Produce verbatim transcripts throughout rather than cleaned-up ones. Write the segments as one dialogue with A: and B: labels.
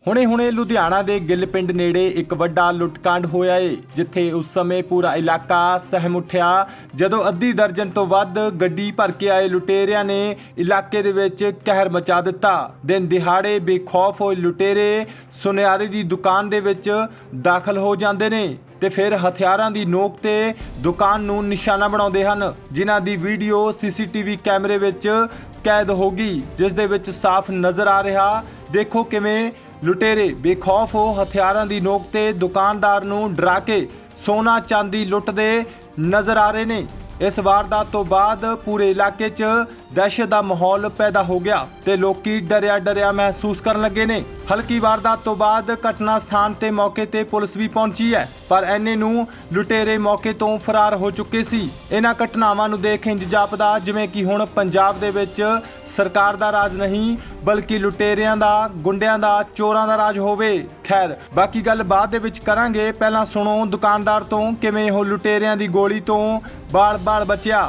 A: ਹੁਣੇ ਹੁਣੇ ਲੁਧਿਆਣਾ ਦੇ ਗਿੱਲ ਪਿੰਡ ਨੇੜੇ ਇੱਕ ਵੱਡਾ ਲੁੱਟਕਾਂਡ ਹੋਇਆ ਏ, ਜਿੱਥੇ ਉਸ ਸਮੇਂ ਪੂਰਾ ਇਲਾਕਾ ਸਹਿਮ ਉੱਠਿਆ ਜਦੋਂ ਅੱਧੀ ਦਰਜਨ ਤੋਂ ਵੱਧ ਗੱਡੀ ਭਰ ਕੇ ਆਏ ਲੁਟੇਰਿਆਂ ਨੇ ਇਲਾਕੇ ਦੇ ਵਿੱਚ ਕਹਿਰ ਮਚਾ ਦਿੱਤਾ। ਦਿਨ ਦਿਹਾੜੇ ਬੇਖੌਫ ਹੋਏ ਲੁਟੇਰੇ ਸੁਨਿਆਰੇ ਦੀ ਦੁਕਾਨ ਦੇ ਵਿੱਚ ਦਾਖਲ ਹੋ ਜਾਂਦੇ ਨੇ ਤੇ ਫਿਰ ਹਥਿਆਰਾਂ ਦੀ ਨੋਕ ਤੇ ਦੁਕਾਨ ਨੂੰ ਨਿਸ਼ਾਨਾ ਬਣਾਉਂਦੇ ਹਨ, ਜਿਨ੍ਹਾਂ ਦੀ ਵੀਡੀਓ ਸੀਸੀਟੀਵੀ ਕੈਮਰੇ ਵਿੱਚ ਕੈਦ ਹੋ ਗਈ, ਜਿਸ ਦੇ ਵਿੱਚ ਸਾਫ਼ ਨਜ਼ਰ ਆ ਰਿਹਾ। ਦੇਖੋ ਕਿਵੇਂ ਲੁਟੇਰੇ ਬੇਖੌਫ ਹੋ ਹਥਿਆਰਾਂ ਦੀ ਨੋਕ ਤੇ ਦੁਕਾਨਦਾਰ ਨੂੰ ਡਰਾ ਕੇ ਸੋਨਾ ਚਾਂਦੀ ਲੁੱਟਦੇ ਨਜ਼ਰ ਆ ਰਹੇ ਨੇ। ਇਸ ਵਾਰਦਾਤ ਤੋਂ ਬਾਅਦ ਪੂਰੇ ਇਲਾਕੇ 'ਚ ਦਹਿਸ਼ਤ ਦਾ ਮਾਹੌਲ ਪੈਦਾ ਹੋ ਗਿਆ ਤੇ ਲੋਕੀ ਡਰਿਆ ਡਰਿਆ ਮਹਿਸੂਸ ਕਰਨ ਲੱਗੇ ਨੇ। ਹਲਕੀ ਵਾਰਦਾਤ ਤੋਂ ਬਾਅਦ ਘਟਨਾ ਸਥਾਨ ਤੇ ਮੌਕੇ ਤੇ ਪੁਲਿਸ ਵੀ ਪਹੁੰਚੀ ਹੈ, ਪਰ ਐਨੇ ਨੂੰ ਲੁਟੇਰੇ ਮੌਕੇ ਤੋਂ ਫਰਾਰ ਹੋ ਚੁੱਕੇ ਸੀ। ਇਹਨਾਂ ਘਟਨਾਵਾਂ ਨੂੰ ਦੇਖ ਇੰਜ ਜਾਪਦਾ ਜਿਵੇਂ ਕਿ ਹੁਣ ਪੰਜਾਬ ਦੇ ਵਿੱਚ ਸਰਕਾਰ ਦਾ ਰਾਜ ਨਹੀਂ ਬਲਕਿ ਲੁਟੇਰਿਆਂ ਦਾ, ਗੁੰਡਿਆਂ ਦਾ, ਚੋਰਾਂ ਦਾ ਰਾਜ ਹੋਵੇ। ਖੈਰ ਬਾਕੀ ਗੱਲ ਬਾਅਦ ਦੇ ਵਿੱਚ ਕਰਾਂਗੇ, ਪਹਿਲਾਂ ਸੁਣੋ ਦੁਕਾਨਦਾਰ ਤੋਂ ਕਿਵੇਂ ਉਹ ਲੁਟੇਰਿਆਂ ਦੀ ਗੋਲੀ ਤੋਂ ਬਾਲ-ਬਾਲ ਬਚਿਆ।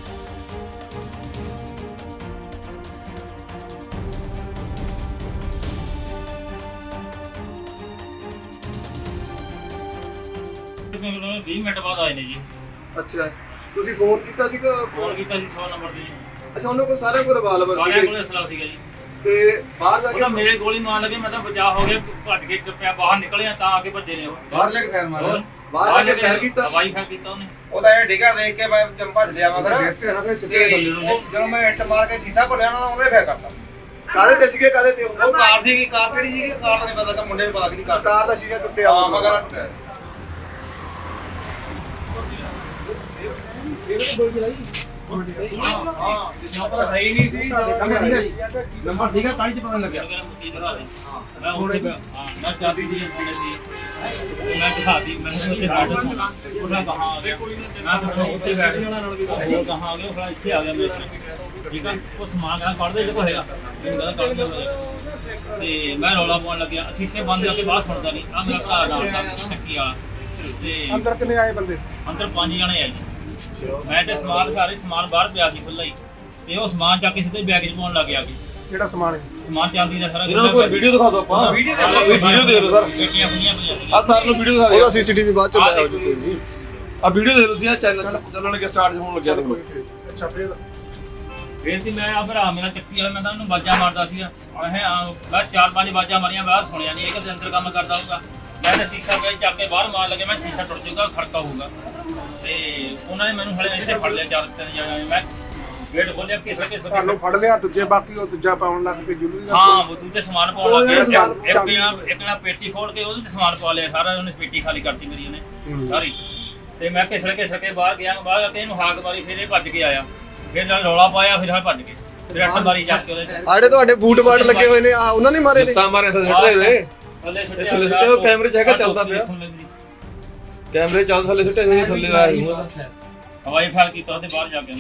B: ਵੀਹ ਮਿੰਟ ਬਾਅਦ ਆਏ ਨੇ ਜੀ।
C: ਅੱਛਾ, ਤੁਸੀਂ ਫੋਨ ਕੀਤਾ ਸੀਗਾ?
B: ਫੋਨ ਕੀਤਾ ਸੀ ਸੌ ਨੰਬਰ ਤੇ।
C: ਅੱਛਾ, ਉਹਨਾਂ ਕੋਲ ਸਾਰਿਆਂ ਕੋਲ ਰਿਵਾਲਵਰ ਸੀ?
B: ਸਾਰਿਆਂ ਕੋਲ ਅਸਲਾ ਸੀਗਾ ਜੀ।
C: ਤੇ ਬਾਹਰ ਜਾ ਕੇ
B: ਮੇਰੇ ਗੋਲੀ ਮਾਰ ਲੱਗੇ, ਮੈਂ ਤਾਂ ਬਚਾਅ ਹੋ ਗਿਆ, ਭੱਜ ਕੇ ਚੁੱਪਿਆ ਬਾਹਰ ਨਿਕਲਿਆ ਤਾਂ ਆ ਕੇ ਭੱਜੇ ਨੇ ਉਹ।
D: ਬਾਹਰ ਲੈ ਕੇ ਫੈਰ ਮਾਰਿਆ,
C: ਬਾਹਰ ਜਾ ਕੇ ਫੈਰ ਕੀਤਾ,
B: ਹਵਾਈ ਫੈਰ ਕੀਤਾ ਉਹਨੇ।
D: ਉਹਦਾ ਇਹ ਡਿੱਗਾ ਦੇਖ ਕੇ ਮੈਂ ਚੰਪਾ ਲਿਆ ਮਗਰ ਜਦੋਂ ਮੈਂ ਇੱਟ ਮਾਰ ਕੇ ਸੀਸਾ ਭਰਿਆ ਨਾ ਉਹਨੇ ਫੇਰ ਕਰਤਾ।
C: ਕਾਹਦੇ ਤੇ ਸੀਗੇ? ਕਾਹਦੇ ਤੇ?
D: ਉਹ ਕਾਰ ਸੀਗੀ। ਕਾਰ ਕਿਹੜੀ ਸੀਗੀ? ਕਾਰ ਦਾ ਨਹੀਂ ਪਤਾ, ਕਿ ਮੁੰਡੇ ਨੂੰ ਪਤਾ ਕਿਹਦੀ ਕਾਰ।
C: ਕਾਰ ਦਾ ਸ਼ੀਸ਼ਾ ਟੁੱਟਿਆ
D: ਹਾਂ ਮਗਰ ਟੁੱਟਿਆ। ਨੰਬਰ ਹੈ ਹੀ ਨਹੀਂ ਸੀ, ਨੰਬਰ ਸੀਗਾ ਤਾਂ ਹੀ ਪਤਾ ਲੱਗਿਆ।
B: ਮੈਂ ਹੁਣ ਹਾਂ ਮੈਂ ਚਾਬੀ ਦੀ ਫੋਨੇ ਸੀ, ਮੈਂ ਦਿਖਾਤੀ ਮੈਂ ਉੱਥੇ ਬੈਠ ਉਹਨਾਂ ਕਹਾਂ ਆ ਗਿਆ, ਮੈਂ ਤਾਂ ਉੱਥੇ ਬੈਠ ਗਿਆ, ਉਹ ਕਹਾਂ ਆ ਗਿਆ, ਫਿਰ ਇੱਥੇ ਆ ਗਿਆ ਮੇਰੇ। ਠੀਕ ਆ, ਉਹ ਸਮਾਨ ਕਹਾਂ ਕੱਢਦੇ ਜਿਹੜਾ ਹੈਗਾ ਮੈਨੂੰ ਕਹਿੰਦਾ ਕੱਢ ਦਿਓ ਤੇ ਮੈਂ ਰੌਲਾ ਪਾਉਣ ਲੱਗਿਆ। ਸ਼ੀਸ਼ੇ ਬੰਦ ਕਰਕੇ ਬਾਹਰ ਸੁਣਦਾ ਨਹੀਂ। ਆ ਮੇਰਾ ਭਰਾ ਨਾਲ ਦਾ ਟੱਕੀ ਵਾਲਾ ਤੇ
C: ਅੰਦਰ ਕਿੰਨੇ ਆਏ ਬੰਦੇ?
B: ਅੰਦਰ ਪੰਜ ਜਣੇ ਆਏ ਜੀ। ਮੈਂ ਤੇ ਸਮਾਨ ਸਾਰੇ ਸਮਾਨ ਬਾਹਰ ਪਿਆ ਸੀ ਖੁੱਲਾ ਹੀ, ਤੇ ਉਹ ਸਮਾਨ ਚੱਕ ਕੇ ਸਿੱਧੇ ਬੈਗ 'ਚ ਪਾਉਣ ਲੱਗ ਗਿਆ।
C: ਕਿਹੜਾ ਸਮਾਨ ਹੈ?
B: ਸਮਾਨ ਚਾਂਦੀ ਦਾ ਸਾਰਾ।
D: ਇਹਨਾਂ ਨੂੰ ਕੋਈ ਵੀਡੀਓ ਦਿਖਾ ਦਿਓ ਆਪਾਂ। ਵੀਡੀਓ ਦੇ ਲਓ, ਵੀਡੀਓ ਦੇ ਲਓ ਸਰ।
B: ਗੱਡੀਆਂ ਖੁੱਲੀਆਂ ਪਈਆਂ ਸੀ।
D: ਆ ਸਰ ਨੂੰ ਵੀਡੀਓ ਦਿਖਾ ਦਿਓ।
C: ਉਹਦਾ ਸੀਸੀਟੀਵੀ ਬਾਅਦ ਚ ਲਾਇਆ ਹੋ ਜੂਗਾ।
D: ਆ ਵੀਡੀਓ ਦੇ ਲਓ ਜੀ, ਚੈਨਲ ਚੱਲਣਗੇ, ਸਟਾਰਟ ਹੋਣ ਲੱਗਿਆ ਦੇਖੋ।
C: ਅੱਛਾ, ਫਿਰ
B: ਫੇਰ ਸੀ ਮੈਂ ਆ ਭਰਾ ਮੇਰਾ ਚੱਕੀ ਵਾਲਾ, ਮੈਂ ਤਾਂ ਉਹਨੂੰ ਬਾਜਾਂ ਮਾਰਦਾ ਸੀਗਾ। ਇਹ ਮੈਂ ਚਾਰ ਪੰਜ ਬਾਜਾਂ ਮਾਰੀਆਂ, ਮੈਂ ਸੁਣਿਆ ਨਹੀਂ ਇਹ ਕਿ ਅੰਦਰ ਕੰਮ ਕਰਦਾ ਹੋਊਗਾ। ਮੈਂ ਤਾਂ ਸ਼ੀਸ਼ਾ ਗਏ ਚੱਕ ਕੇ ਬਾਹਰ ਮਾਰ ਲੱਗੇ, ਮੈਂ ਸ਼ੀਸ਼ਾ ਟੁੱਟ ਜਾਊਗਾ, ਖੜਕਾ ਹੋਊਗਾ। ਤੇ ਉਹਨਾਂ ਨੇ ਮੈਨੂੰ ਹਲੇ ਇੱਥੇ ਫੜ ਲਿਆ ਚਾਰ ਤਿੰਨ ਜਣੇ। ਮੈਂ ਗੇਟ ਖੋਲਿਆ, ਕਿਸੇ ਕਿਸੇ
C: ਤੁਹਾਨੂੰ ਫੜ ਲਿਆ, ਦੂਜੇ ਬਾਕੀ ਉਹ ਦੂਜਾ ਪਾਉਣ ਲੱਗ ਪਏ ਜੁਲਰੀ ਦਾ।
B: ਹਾਂ, ਉਹ ਦੂਜੇ ਸਮਾਨ ਪਾਉਣ ਲੱਗ ਗਿਆ। ਇੱਕ ਨਾ ਇੱਕ ਨਾ ਪੇਟੀ ਖੋਲ ਕੇ ਉਹਦੇ ਤੇ ਸਮਾਨ ਪਾ ਲਿਆ ਸਾਰਾ। ਉਹਨੇ ਪੇਟੀ ਖਾਲੀ ਕਰਤੀ ਮੇਰੀ ਉਹਨੇ ਸਾਰੀ। ਤੇ ਮੈਂ ਘਿਸੜ ਘਿਸੜ ਕੇ ਬਾਹਰ ਗਿਆ, ਬਾਹਰ ਆ ਕੇ ਇਹਨੂੰ ਹਾਕ ਮਾਰੀ, ਫਿਰ ਇਹ ਭੱਜ ਕੇ ਆਇਆ। ਫਿਰ ਨਾਲ ਰੌਲਾ ਪਾਇਆ, ਫਿਰ ਹਾਂ ਭੱਜ ਕੇ ਫਿਰ ਅੱਠ ਮਾਰੀ ਜਾ ਕੇ ਉਹਦੇ।
C: ਆੜੇ ਤੁਹਾਡੇ ਬੂਟ ਬਾਟ ਲੱਗੇ ਹੋਏ ਨੇ, ਆ ਉਹਨਾਂ ਨੇ ਮਾਰੇ ਨੇ?
D: ਤਾਂ ਮਾਰੇ ਥੱਲੇ ਨੇ
B: ਥੱਲੇ
D: ਥੱਲੇ ਸੁੱਟੇ। ਉਹ ਕੈਮਰੇ 'ਚ ਹੈਗਾ, ਚੱਲਦਾ ਪਿਆ ਕੈਮਰੇ। ਚੱਲ ਥੱਲੇ ਸੁੱਟੇ ਸੀ, ਥੱਲੇ ਆਇਆ
B: ਹਵਾਈ ਫਾਇਰ ਕੀਤਾ ਉਹਦੇ ਬਾਹਰ ਜਾ ਕੇ।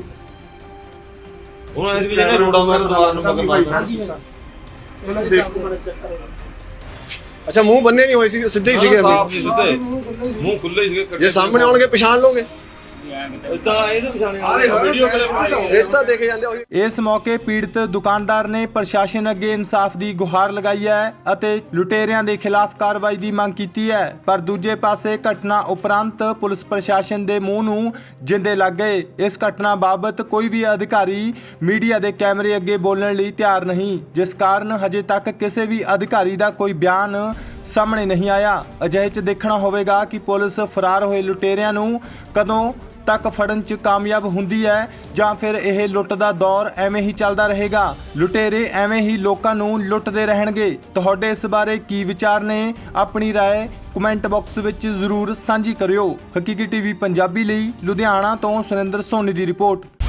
D: ਉਹਨਾਂ ਇਸ ਵੀ ਜਿਹੜੇ ਰੋੜਾ ਮਾਰ ਦੁਕਾਨ ਨੂੰ ਪਕੜ ਮਾਰਦਾ।
C: ਉਹਨਾਂ ਦੇਖੋ ਮੈਨੂੰ ਚੈੱਕ ਕਰੋ। ਅੱਛਾ, ਮੂੰਹ ਬੰਨੇ ਨਹੀਂ ਹੋਏ ਸੀ, ਸਿੱਧੇ ਹੀ ਸੀਗੇ?
D: ਸਾਫ ਸੀ ਸਿੱਧੇ, ਮੂੰਹ ਖੁੱਲੇ ਸੀਗੇ।
C: ਜੇ ਸਾਹਮਣੇ ਆਉਣਗੇ ਪਛਾਣ ਲਓਗੇ?
D: ਇਦਾਂ ਇਹਨੂੰ ਪਛਾਣਿਆ ਆ ਵੀਡੀਓ ਕਲਿੱਪ
C: ਇਸ ਤਾਂ ਦੇਖੇ ਜਾਂਦੇ ਉਹੀ।
A: ਇਸ ਮੌਕੇ ਪੀੜਤ ਦੁਕਾਨਦਾਰ ਨੇ ਪ੍ਰਸ਼ਾਸਨ ਅੱਗੇ ਇਨਸਾਫ ਦੀ ਗੁਹਾਰ ਲਗਾਈ ਹੈ ਅਤੇ ਲੁਟੇਰਿਆਂ ਦੇ ਖਿਲਾਫ ਕਾਰਵਾਈ ਦੀ ਮੰਗ ਕੀਤੀ ਹੈ। ਪਰ ਦੂਜੇ ਪਾਸੇ ਘਟਨਾ ਉਪਰੰਤ ਪੁਲਿਸ ਪ੍ਰਸ਼ਾਸਨ ਦੇ ਮੂੰਹ ਨੂੰ ਜਿੰਦੇ ਲੱਗ ਗਏ। ਇਸ ਘਟਨਾ ਬਾਬਤ ਕੋਈ ਵੀ ਅਧਿਕਾਰੀ ਮੀਡੀਆ ਦੇ ਕੈਮਰੇ ਅੱਗੇ ਬੋਲਣ ਲਈ ਤਿਆਰ ਨਹੀਂ, ਜਿਸ ਕਾਰਨ ਹਜੇ ਤੱਕ ਕਿਸੇ ਵੀ ਅਧਿਕਾਰੀ ਦਾ ਕੋਈ ਬਿਆਨ ਸਾਹਮਣੇ ਨਹੀਂ ਆਇਆ। ਅਜਿਹੇ 'ਚ ਦੇਖਣਾ ਹੋਵੇਗਾ ਕਿ ਪੁਲਿਸ ਫਰਾਰ ਹੋਏ ਲੁਟੇਰਿਆਂ ਨੂੰ ਕਦੋਂ ਤੱਕ ਫੜਨ 'ਚ ਕਾਮਯਾਬ ਹੁੰਦੀ ਹੈ ਜਾਂ ਫਿਰ ਇਹ ਲੁੱਟ ਦਾ ਦੌਰ ਐਵੇਂ ਹੀ ਚੱਲਦਾ ਰਹੇਗਾ। ਲੁਟੇਰੇ ਐਵੇਂ ਹੀ ਲੋਕਾਂ ਨੂੰ ਲੁੱਟਦੇ ਰਹਿਣਗੇ। ਤੁਹਾਡੇ ਇਸ ਬਾਰੇ ਕੀ ਵਿਚਾਰ ਨੇ? ਆਪਣੀ ਰਾਏ ਕਮੈਂਟ ਬਾਕਸ ਵਿੱਚ ਜ਼ਰੂਰ ਸਾਂਝੀ ਕਰਿਓ। ਹਕੀਕੀ ਟੀਵੀ ਪੰਜਾਬੀ ਲਈ ਲੁਧਿਆਣਾ ਤੋਂ ਸੁਰਿੰਦਰ ਸੋਨੀ ਦੀ ਰਿਪੋਰਟ।